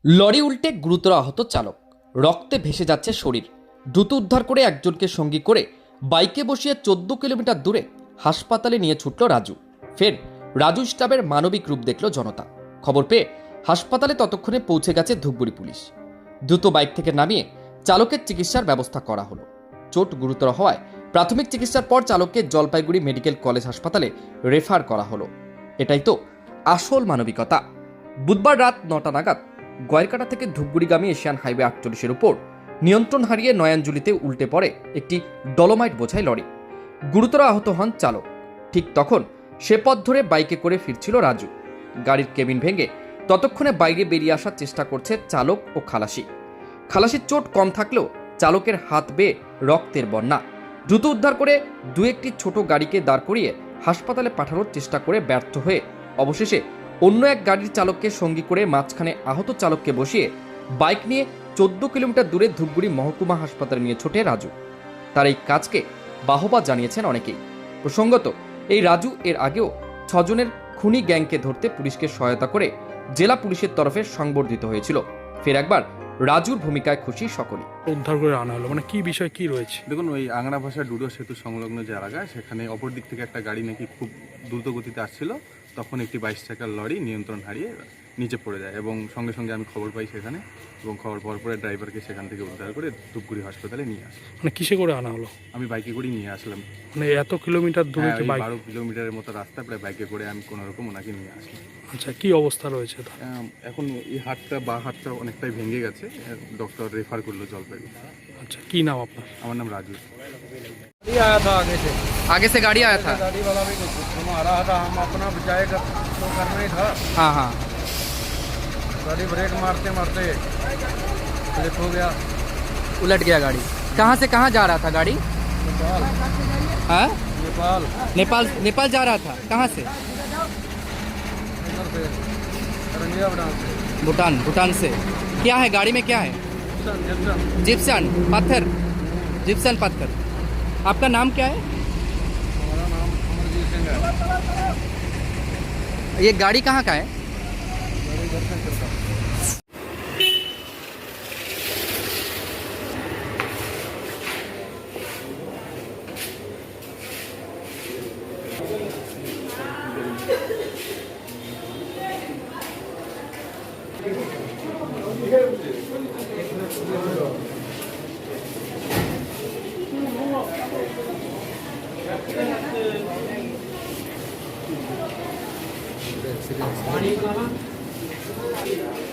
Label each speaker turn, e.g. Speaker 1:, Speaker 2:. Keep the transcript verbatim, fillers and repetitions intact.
Speaker 1: Lorry উল্টে গুরুতর আহত চালক, রক্তে ভেসে যাচ্ছে শরীর। দ্রুত উদ্ধার করে একজনকে সঙ্গী করে বাইকে বসিয়ে চোদ্দ কিলোমিটার দূরে হাসপাতালে নিয়ে ছুটল রাজু। ফের রাজু স্টাফের মানবিক রূপ দেখল জনতা। খবর পেয়ে হাসপাতালে ততক্ষণে পৌঁছে গেছে ধূপগুড়ি পুলিশ। দ্রুত বাইক থেকে নামিয়ে চালকের চিকিৎসার ব্যবস্থা করা হলো। চোট গুরুতর হওয়ায় প্রাথমিক চিকিৎসার পর চালককে জলপাইগুড়ি মেডিকেল কলেজ হাসপাতালে রেফার করা হলো। এটাই তো আসল মানবিকতা। বুধবার রাত নটা নাগাদ গয়েরকাটা থেকে ধূপগুড়িগামী এশিয়ান হাইওয়ে আটচল্লিশের উপর নিয়ন্ত্রণ হারিয়ে নয়াঞ্জলিতে উল্টে পড়ে একটি ডলোমাইট বোঝাই লরি। গুরুতর আহত হন চালক। ঠিক তখন সে পথ ধরে বাইকে করে ফিরছিল রাজু। গাড়ির কেবিন ভেঙে ততক্ষণে বাইরে বেরিয়ে আসার চেষ্টা করছে চালক ও খালাসি। খালাসির চোট কম থাকলেও চালকের হাত বেয়ে রক্তের বন্যা। দ্রুত উদ্ধার করে দু একটি ছোট গাড়িকে দাঁড় করিয়ে হাসপাতালে পাঠানোর চেষ্টা করে ব্যর্থ হয়ে অবশেষে অন্য এক গাড়ির চালককে সঙ্গী করে মাঝখানে আহত চালককে বসিয়ে বাইক নিয়ে চোদ্দ কিলোমিটার দূরে ধূপগুড়ি মহকুমা হাসপাতালে নিয়ে ছোটে রাজু। তার এই কাজকে বাহবা জানিয়েছেন অনেকেই। প্রসঙ্গত, এই রাজু এর আগেও ছজনের খুনি গ্যাংকে ধরতে পুলিশকে সহায়তা করে জেলা পুলিশের তরফে সংবর্ধিত হয়েছিল। ফের একবার রাজুর ভূমিকায় খুশি সকলেই।
Speaker 2: উদ্ধার করে আনা হলো, মানে কি বিষয় কি রয়েছে?
Speaker 3: দেখুন, ওই আংরা ভাষা ডুডো সেতু সংলগ্ন যে এলাকা, সেখানে অপর দিক থেকে একটা গাড়ি নাকি খুব দ্রুত গতিতে আসছিল। তখন একটি বাইশ চাকার লরি নিয়ন্ত্রণ হারিয়ে নিচে পড়ে যায় এবং সঙ্গে সঙ্গে আমি খবর পাই সেখানে, এবং খবর পাওয়ার পরে ড্রাইভারকে সেখান থেকে উদ্ধার করে ধূপগুড়ি হাসপাতালে নিয়ে আসি।
Speaker 2: মানে কিসে করে আনা হলো?
Speaker 3: আমি বাইকে করেই নিয়ে আসলাম।
Speaker 2: মানে এত কিলোমিটার দূরে
Speaker 3: হ্যাঁ,
Speaker 2: কি
Speaker 3: ওই
Speaker 2: বাইক?
Speaker 3: বারো কিলোমিটারের মতো রাস্তা প্রায় বাইকে করে আমি কোনো রকম ওনাকে নিয়ে আসলাম।
Speaker 2: আচ্ছা, কি অবস্থা রয়েছে তার?
Speaker 3: আম, এখন এই হাতটা বা হাতটা অনেকটাই ভেঙে গেছে। ডক্টর রেফার করলো জলপাইগুড়ি।
Speaker 2: আচ্ছা, কি নাম আপনার?
Speaker 3: আমার নাম রাজু।
Speaker 4: गाड़ी आया था आगे से
Speaker 1: आगे से गाड़ी आया था।
Speaker 4: गाड़ी वाला भी कुछ घुमा रहा था, हम अपना जाएगा तो करना ही था।
Speaker 1: हाँ हाँ
Speaker 4: गाड़ी ब्रेक मारते मारते स्लिप हो गया।
Speaker 1: उलट गया गाड़ी। कहाँ से कहाँ जा रहा था गाड़ी?
Speaker 4: नेपाल
Speaker 1: हाँ,
Speaker 4: नेपाल
Speaker 1: नेपाल नेपाल जा रहा था। कहाँ से?
Speaker 4: इधर से रंगिया बटान से
Speaker 1: भूटान। भूटान से क्या है गाड़ी में? क्या है?
Speaker 4: जिप्सन जिप्सन
Speaker 1: जिप्सन पत्थर। जिप्सन पत्थर। आपका नाम क्या है?
Speaker 4: हमारा नाम अमरजीत सिंह है।
Speaker 1: ये गाड़ी कहाँ का है?
Speaker 4: गाड़ी घर से चलता
Speaker 5: एक्सीडेंट